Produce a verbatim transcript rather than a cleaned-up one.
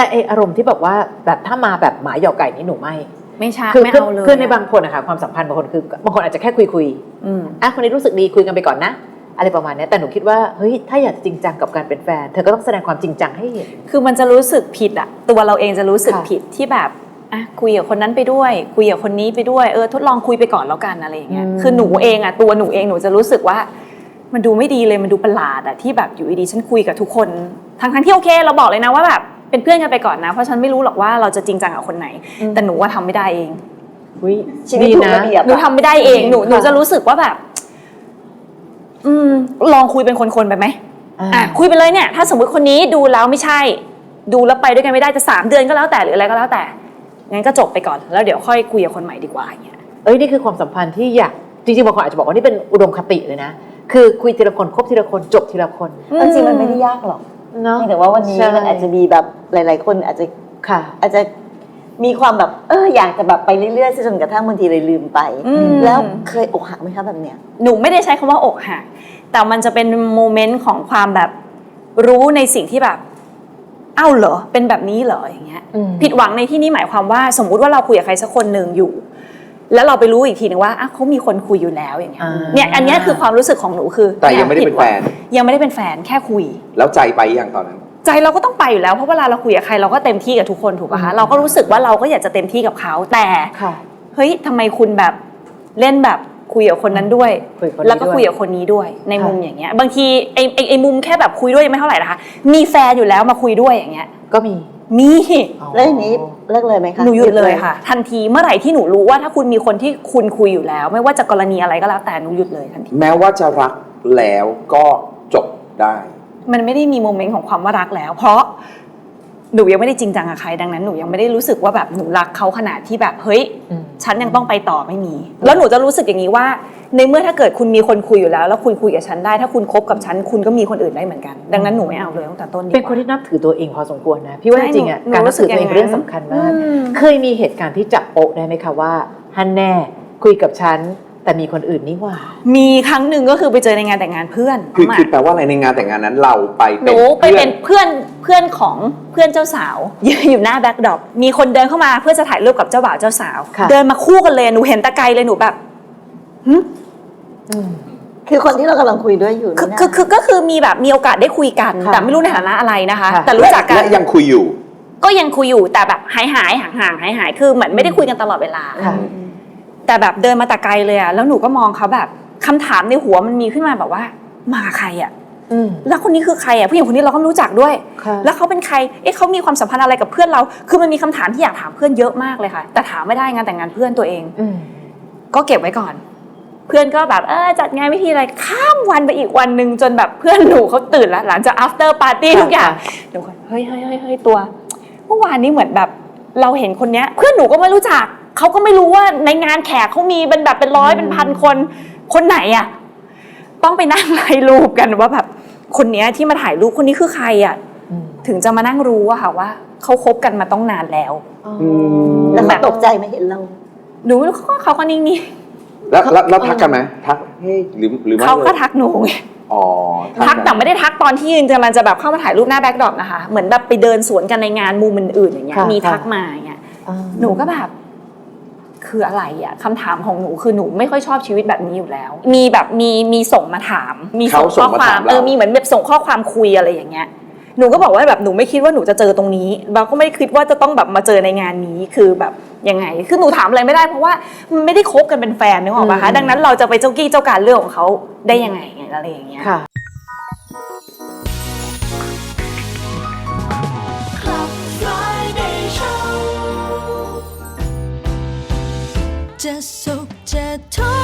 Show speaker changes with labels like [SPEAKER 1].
[SPEAKER 1] แต่ไออารมณ์ที่แบบว่าแบบถ้ามาแบบหมาหยอกไก่นี่หนูไม่
[SPEAKER 2] ไม่ใช่
[SPEAKER 1] คือ
[SPEAKER 2] ไม่เอาเลย
[SPEAKER 1] คือในบางคนอะค่ะความสัมพันธ์บางคนคือบางคนอาจจะแค่คุยคุยอ่ะคนนี้รู้สึกดีคุยกันไปก่อนนะอะไรประมาณนี้แต่หนูคิดว่าเฮ้ยถ้าอยากจริงจังกับการเป็นแฟนเธอก็ต้องแสดงความจริงจังให้เห็น
[SPEAKER 2] คือมันจะรู้สึกผิดอะตัวเราเองจะรู้สึกผิดที่แบบอ่ะคุยกับคนนั้นไปด้วยคุยกับคนนี้ไปด้วยเออทดลองคุยไปก่อนแล้วกันอะไรอย่างเงี้ยคือหนูเองอะตัวหนูเองหนูจะรู้สึกว่ามันดูไม่ดีเลยมันดูประหลาดอะที่แบบอยู่ดีๆฉันคุยกับทุกคนทั้งทั้งที่โอเคเราบอกเลยนะว่าแบบเป็นเพื่อนกันไปก่อนนะเพราะฉันไม่รู้หรอกว่าเราจะจริงจังกับคนไหนแต่หนูว่าทำไม่ได้เอง
[SPEAKER 3] ชีวิตถูกระเบียบ
[SPEAKER 2] หนูทำไม่ได้เองหนูหนูจะรู้สึกว่าแบบอืมลองคุยเป็นคนๆไปไหมอ่ะคุยไปเลยเนี่ยถ้าสมมติคนนี้ดูแล้วไม่ใช่ดูแล้วไปด้วยกันไม่ได้จะสามเดือนก็แล้วแต่หรืออะไรก็แล้วแต่งั้นก็จบไปก่อนแล้วเดี๋ยวค่อยคุยกับคนใหม่ดีกว่าอย่างเงี้ย
[SPEAKER 1] เอ้ยนี่คือความสัมพันธ์ที่อยากจริงๆบางคนอาจจะบอกว่านี่เป็นอุดมคติเลยนะคือคุยทีละคนคบทีละคนจบทีละคน
[SPEAKER 3] จริงมันไม่ได้ยากหรอกเนาะแต่ว่าวันนี้มันอาจจะมีแบบหลายๆคนอาจจะ
[SPEAKER 1] ค่ะ
[SPEAKER 3] อาจจะมีความแบบเอออยากจะแบบไปเรื่อยๆจนกระทั่งบางทีเลยลืมไปแล้วเคยอกหักไหมคะแบบเนี้ย
[SPEAKER 2] หนูไม่ได้ใช้คำว่าอกหักแต่มันจะเป็นโมเมนต์ของความแบบรู้ในสิ่งที่แบบเอ้าเหรอเป็นแบบนี้เหรออย่างเงี้ยผิดหวังในที่นี้หมายความว่าสมมุติว่าเราคุยกับใครสักคนหนึ่งอยู่แล้วเราไปรู้อีกทีนึงว่าอ่ะเขามีคนคุยอยู่แล้วอย่างเงี้ยเนี่ยอันนี้คือความรู้สึกของหนูคือ
[SPEAKER 4] แต่ยังไม่ได้เป็นแฟน
[SPEAKER 2] ยังไม่ได้เป็นแฟนแค่คุย
[SPEAKER 4] แล้วใจไปอย่างตอนนั้น
[SPEAKER 2] ใจเราก็ต้องไปอยู่แล้วเพราะเวลาเราคุยกับใครเราก็เต็มที่กับทุกคนถูกป่ะคะเราก็รู้สึกว่าเราก็อยากจะเต็มที่กับเขาแต่เฮ้ยทำไมคุณแบบเล่นแบบคุยกับคนนั้นด้วยแล้วก็คุยกับคนนี้ด้วยในมุมอย่างเงี้ยบางทีไอ้ไอ้มุมแค่แบบคุยด้วยยังไม่เท่าไหร่นะคะมีแฟนอยู่แล้วมาคุยด้วยอย่างเงี้ย
[SPEAKER 1] ก็มี
[SPEAKER 2] มี
[SPEAKER 3] แล้วอย่างนี้เลิกเลยไหมคะ
[SPEAKER 2] หนูหยุดเลยค่ะทันทีเมื่อไหร่ที่หนูรู้ว่าถ้าคุณมีคนที่คุณคุยอยู่แล้วไม่ว่าจะกรณีอะไรก็แล้วแต่หนูหยุดเลยทันที
[SPEAKER 4] แม้ว่าจะรักแล้วก็จบได้
[SPEAKER 2] มันไม่ได้มีโมเมนต์ของความว่ารักแล้วเพราะหนูยังไม่ได้จริงจังกับใครดังนั้นหนูยังไม่ได้รู้สึกว่าแบบหนูรักเขาขนาดที่แบบเฮ้ยฉันยังต้องไปต่อไม่มีแล้วหนูจะรู้สึกอย่างนี้ว่าในเมื่อถ้าเกิดคุณมีคนคุยอยู่แล้วแล้วคุณคุยกับฉันได้ถ้าคุณคบกับฉันคุณก็มีคนอื่นได้เหมือนกันดังนั้นหนูไม่เอาเลยตั้งแต่ต้นดีกว่า
[SPEAKER 1] เป็นคนที่นับถือตัวเองพอสมควรนะพี่ว่าจริงๆอ่ะการนับถือตัวเองเป็นเรื่องสำคัญมากเคยมีเหตุการณ์ที่จับโป๊ะได้ไหมคะว่าฮันแน่คุยกับฉันแต่มีคนอื่นนี่ว่า
[SPEAKER 2] มีครั้งหนึ่งก็คือไปเจอในงานแต่งงานเพื่อน
[SPEAKER 4] คือคือแปลว่าอะไรในงานแต่งงานนั้นเราไป
[SPEAKER 2] หนูไปเป็นเพื่อนเพื่อนของเพื่อนเจ้าสาวยืนอยู่หน้าแบ็คดรอปมีคนเดินเข้ามาเพื่อจะถ่ายรูปกับเจ้าบ่าวเจ้าสาวเดินมาคู่กันเลยหนูเห็นตะไกลเลยหนูแบบหึ
[SPEAKER 3] คือคนที่เรากำลังคุยด้วยอยู่
[SPEAKER 2] คือคือคือก็คือมีแบบมีโอกาสได้คุยกันแต่ไม่รู้ในฐานะอะไรนะคะแต่รู้จักกัน
[SPEAKER 4] และยังคุยอยู่
[SPEAKER 2] ก็ยังคุยอยู่แต่แบบหายหายห่างห่างหายหายคือเหมือนไม่ได้คุยกันตลอดเวลาแต่แบบเดินมาแต่ไกลเลยอะแล้วหนูก็มองเขาแบบคำถามในหัวมันมีขึ้นมาแบบว่ามาใครอะแล้วคนนี้คือใครอะผู้หญิงคนนี้เราก็รู้จักด้วยแล้วเขาเป็นใครเอ๊ะเขามีความสัมพันธ์อะไรกับเพื่อนเราคือมันมีคำถามที่อยากถามเพื่อนเยอะมากเลยค่ะแต่ถามไม่ได้งานแต่งงานเพื่อนตัวเองก็เก็บไว้ก่อนเพื่อนก็แบบเออจัดงานวิธีอะไรข้ามวันไปอีกวันนึงจนแบบเพื่อนหนูเขาตื่นแล้วหลังจาก after party ทุกอย่างหนูก็เฮ้ยเฮ้ยเฮ้ยเฮ้ยตัวเมื่อวานนี้เหมือนแบบเราเห็นคนเนี้ยเพื่อนหนูก็ไม่รู้จักเขาก็ไม่รู้ว่าในงานแขกเขามีเป็นแบบเป็นร้อยเป็นพันคนคนไหนอ่ะต้องไปนั่งไล่รูปกันว่าแบบคนนี้ที่มาถ่ายรูปคนนี้คือใครอ่ะถึงจะมานั่งรู้อะค่ะว่าเขาคบกันมาต้องนานแล้ว
[SPEAKER 3] แล้วเขาตกใจไหมเห็นเรา
[SPEAKER 2] หนูเขาก็นิ่ง
[SPEAKER 4] ๆแล้วแล้วทักกันไหมทักเฮ้ยหรือหรือไม่
[SPEAKER 2] เขาก็ทักหนูไง
[SPEAKER 4] อ๋อ
[SPEAKER 2] ทักแต่ไม่ได้ทักตอนที่ยืนกำลังจะแบบเข้ามาถ่ายรูปหน้าแบ็คดรอปนะคะเหมือนแบบไปเดินสวนกันในงานมุมอื่นๆอย่างเงี้ยมีทักมาอย่างเงี้ยหนูก็แบบคืออะไรอ่ะคำถามของหนูคือหนูไม่ค่อยชอบชีวิตแบบนี้อยู่แล้วมีแบบมีมีส่งมาถามมีส่งข้อความเออมีเหมือนแบบส่งข้อความคุยอะไรอย่างเงี้ยหนูก็บอกว่าแบบหนูไม่คิดว่าหนูจะเจอตรงนี้เราก็ไม่ได้คิดว่าจะต้องแบบมาเจอในงานนี้คือแบบยังไงคือหนูถามอะไรไม่ได้เพราะว่ามันไม่ได้คบกันเป็นแฟนนึกออกป่ะคะดังนั้นเราจะไปเจ้ากี้เจ้าการเรื่องของเขาได้ยังไงอะไรอย่างเงี้ย
[SPEAKER 5] จะสุขจะทุกข์